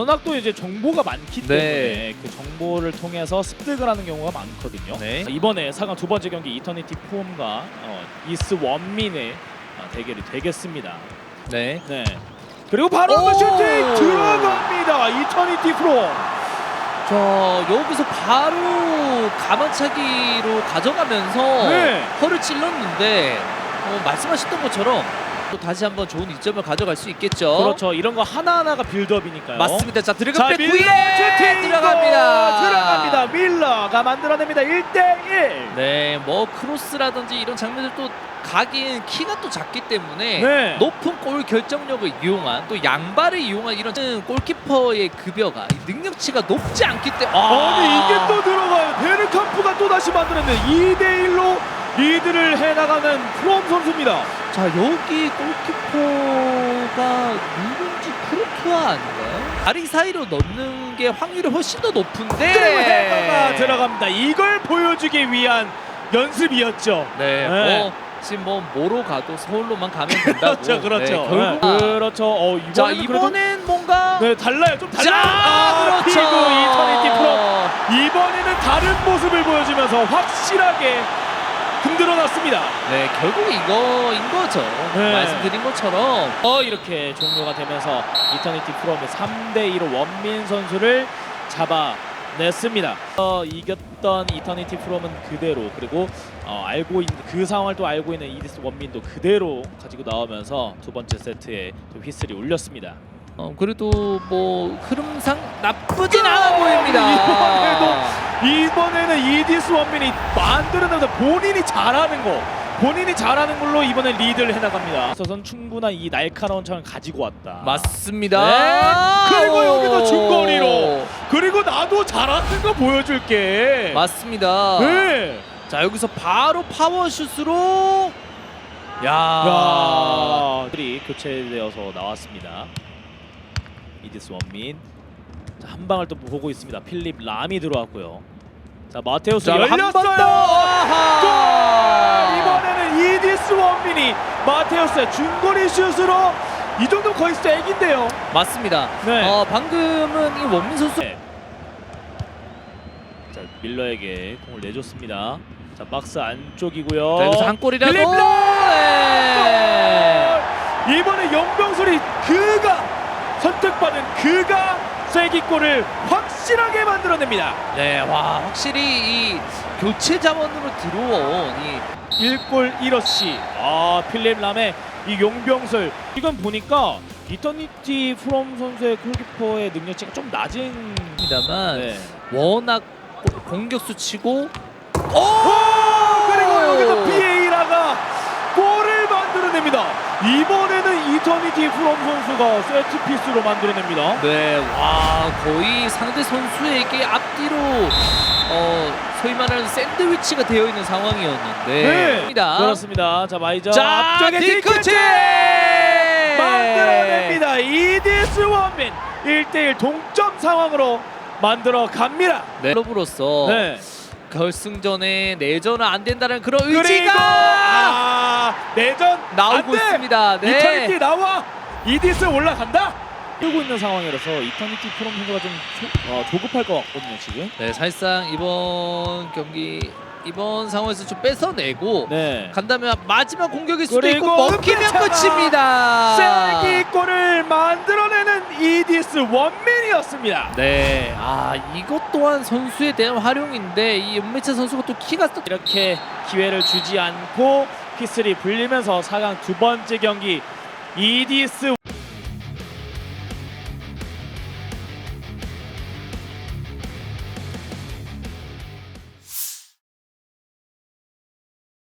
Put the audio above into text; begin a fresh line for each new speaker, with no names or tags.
워낙 또 이제 정보가 많기 때문에
네.
그 정보를 통해서 습득을 하는 경우가 많거든요.
네.
이번에 4강 두 번째 경기 이터니티 폼과 이스 원민의 대결이 되겠습니다.
네.
네. 그리고 바로 한번 슈팅 들어갑니다. 이터니티 프롬.
자, 여기서 바로 가만차기로 가져가면서
네.
허를 찔렀는데 말씀하셨던 것처럼 또 다시 한번 좋은 이점을 가져갈 수 있겠죠.
그렇죠. 이런 거 하나하나가 빌드업이니까요.
맞습니다. 자,
자,
드래곤 백
밀러
구에
슈팅
들어갑니다.
밀러가 만들어냅니다. 1대1.
네, 뭐 크로스라든지 이런 장면들 또 가긴 키가 또 작기 때문에
네.
높은 골 결정력을 이용한 또 양발을 이용한 이런 골키퍼의 급여가 능력치가 높지 않기 때문에
아니 이게 또 들어가요. 베르캄프가 또 다시 만들었는데 2대1로 리드를 해나가는 프롬 선수입니다.
자, 여기 골키퍼가 누군지 크루투아 아닌가요? 다리 사이로 넣는 게 확률이 훨씬 더 높은데
그리고 헤더가 들어갑니다. 이걸 보여주기 위한 연습이었죠.
네,
네.
지금 뭐로 가도 서울로만 가면 된다고.
그렇죠.
네, 결국
그렇죠.
자,
이번에는
이번엔 뭔가
네, 달라요. 좀 달라요.
자, 그렇죠.
피구 이터니티 프롬. 이번에는 다른 모습을 보여주면서 확실하게 흔들어놨습니다.
네, 결국 이거인 거죠.
네.
말씀드린 것처럼
이렇게 종료가 되면서 이터니티 프롬의 3대2로 원민 선수를 잡아냈습니다. 이겼던 이터니티 프롬은 그대로, 그리고 알고 있는 그 상황을 또 알고 있는 이디스 원민도 그대로 가지고 나오면서 두 번째 세트에 또 휘슬이 울렸습니다.
그래도 뭐 흐름상 나쁘진 않아 보입니다.
이번에는 이디스 원민이 만들어내다 본인이 잘하는 걸로 이번에 리드를 해나갑니다. 그래서 충분한 이 날카로운 창을 가지고 왔다.
맞습니다.
네. 그리고 여기서 중거리로. 그리고 나도 잘하는 거 보여줄게.
맞습니다.
네.
자, 여기서 바로 파워슛으로
들이 교체되어서 나왔습니다. 이디스 원민. 자, 한 방을 또 보고 있습니다. 필립 람이 들어왔고요. 자, 마테우스 열렸어요. 골! 이번에는 이디스 원민이 마테우스의 중거리 슛으로, 이 정도 거의 쐐기인데요.
맞습니다.
네.
방금은 이 원민 선수
네. 자, 밀러에게 공을 내줬습니다. 자, 박스 안쪽이고요.
자, 여기서 한 골이라도
필립 람!
네.
이번에 영병술이 선택받은 쐐기골을 확실하게 만들어냅니다.
네, 와, 확실히 이 교체 자원으로 들어온 이
1골 1어시. 필립 람의 이 용병술. 이건 보니까 이터니티 프롬 선수의 골키퍼의 능력치가 좀 낮은
입니다만
네.
워낙 공격수 치고
그리고 여기서 비에이라가 골을 만들어냅니다. 이번에는 이터니티 프롬 선수가 세트피스로 만들어냅니다.
네, 와, 거의 상대 선수에게 앞뒤로 소위 말하는 샌드위치가 되어 있는 상황이었는데
그렇습니다. 자, 마이저
자,
앞쪽에
뒤끝에
만들어냅니다. 이디스 원민 1대1 동점 상황으로 만들어 갑니다.
네, 클럽으로서
네.
결승전에 내전은 안 된다는 그런
그리고
의지가
내전
나오고
안 돼!
있습니다. 네.
이터니티 나와. 이디스 올라간다. 뛰고 있는 상황이라서 이터니티 프롬 선수가 좀 조급할 것 같거든요 지금.
네, 사실상 이번 상황에서 좀 뺏어내고 간다면 마지막 공격일 수도 있고 먹히면 끝입니다.
쐐기골을 만들어내는 이디스 원민이었습니다.
네, 이것 또한 선수에 대한 활용인데 이 은매차 선수가 또 키가 또
이렇게 기회를 주지 않고 휘슬이 불리면서 4강 두 번째 경기 이디스